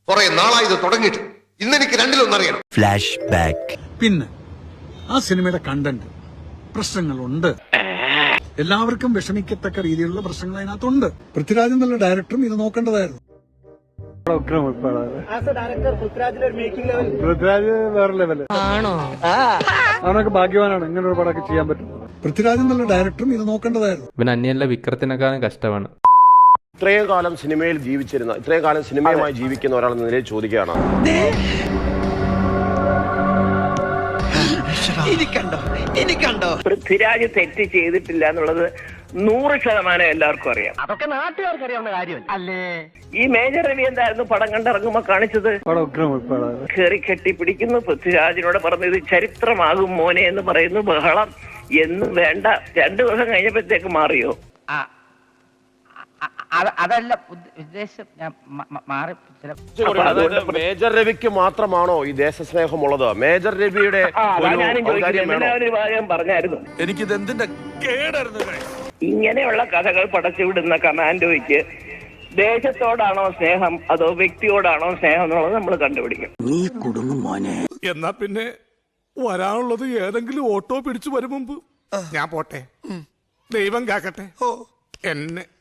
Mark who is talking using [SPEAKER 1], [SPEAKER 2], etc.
[SPEAKER 1] കുറെ നാളായി ഇത് തുടങ്ങിയിട്ട്. ഇന്നെനിക്ക് രണ്ടിലൊന്നറിയണം.
[SPEAKER 2] Flash back.
[SPEAKER 3] പിന്നെ ആ സിനിമയുടെ കണ്ടന്റ് പ്രശ്നങ്ങളുണ്ട്. എല്ലാവർക്കും വിഷമിക്കത്തക്ക രീതിയിലുള്ള പ്രശ്നങ്ങൾ അതിനകത്തുണ്ട്. പൃഥ്വിരാജ് എന്നുള്ള ഡയറക്ടറും ഇത് നോക്കേണ്ടതായിരുന്നു. പൃഥ്വിരാജ് വേറെ ലെവല് അവനൊക്കെ ഭാഗ്യവാനാണ് ഇങ്ങനെ ഒരു പടമൊക്കെ ചെയ്യാൻ പറ്റും. പൃഥ്വിരാജ് എന്നുള്ള ഡയറക്ടറും ഇത് നോക്കേണ്ടതായിരുന്നു.
[SPEAKER 4] ഇവൻ അന്യല്ല വിക്രത്തിനെക്കാളും കഷ്ടമാണ്.
[SPEAKER 5] ഇത്രയും കാലം സിനിമയിൽ ജീവിച്ചിരുന്ന, ഇത്രയും കാലം സിനിമയുമായി ജീവിക്കുന്ന ഒരാൾ എന്ന നിലയിൽ ചോദിക്കുകയാണ്,
[SPEAKER 6] പൃഥ്വിരാജ് തെറ്റ് ചെയ്തിട്ടില്ല എന്നുള്ളത് 100% എല്ലാവർക്കും അറിയാം.
[SPEAKER 7] അതൊക്കെ നാട്ടുകാർക്ക് അറിയാവുന്ന കാര്യം അല്ലേ?
[SPEAKER 6] ഈ മേജർ രവി എന്തായിരുന്നു പടം കണ്ടിറങ്ങുമ്പോ കാണിച്ചത്? കയറി കെട്ടിപ്പിടിക്കുന്നു, പൃഥ്വിരാജിനോട് പറഞ്ഞു ഇത് ചരിത്രമാകും മോനെ എന്ന് പറയുന്നു, ബഹളം എന്നും വേണ്ട. 2 ദിവസം കഴിഞ്ഞപ്പോഴത്തേക്ക് മാറിയോ?
[SPEAKER 7] അതല്ല ഉദ്ദേശം, ഞാൻ മാറി.
[SPEAKER 5] അതായത് മേജർ രവിക്ക് മാത്രമാണോ ഈ ദേശസ്നേഹമുള്ളത്? മേജർ രവിയുടെ
[SPEAKER 6] ഞാനും ചോദിക്കുന്നത് ഒരു കാര്യം പറഞ്ഞായിരുന്നു,
[SPEAKER 8] എനിക്കിത് എന്തിന്റെ കേടായിരുന്നു.
[SPEAKER 6] ഇങ്ങനെയുള്ള കഥകൾ പടച്ചുവിടുന്ന കമാൻഡോയ്ക്ക് ദേശത്തോടാണോ സ്നേഹം അതോ വ്യക്തിയോടാണോ സ്നേഹം എന്നുള്ളത് നമ്മൾ കണ്ടുപിടിക്കും.
[SPEAKER 2] നീ കുടുങ്ങും മോനെ.
[SPEAKER 8] എന്നാ പിന്നെ വരാനുള്ളത് ഏതെങ്കിലും ഓട്ടോ പിടിച്ചു വരും മുമ്പ് ഞാൻ പോട്ടെ. ദൈവം കാക്കട്ടെ എന്നെ.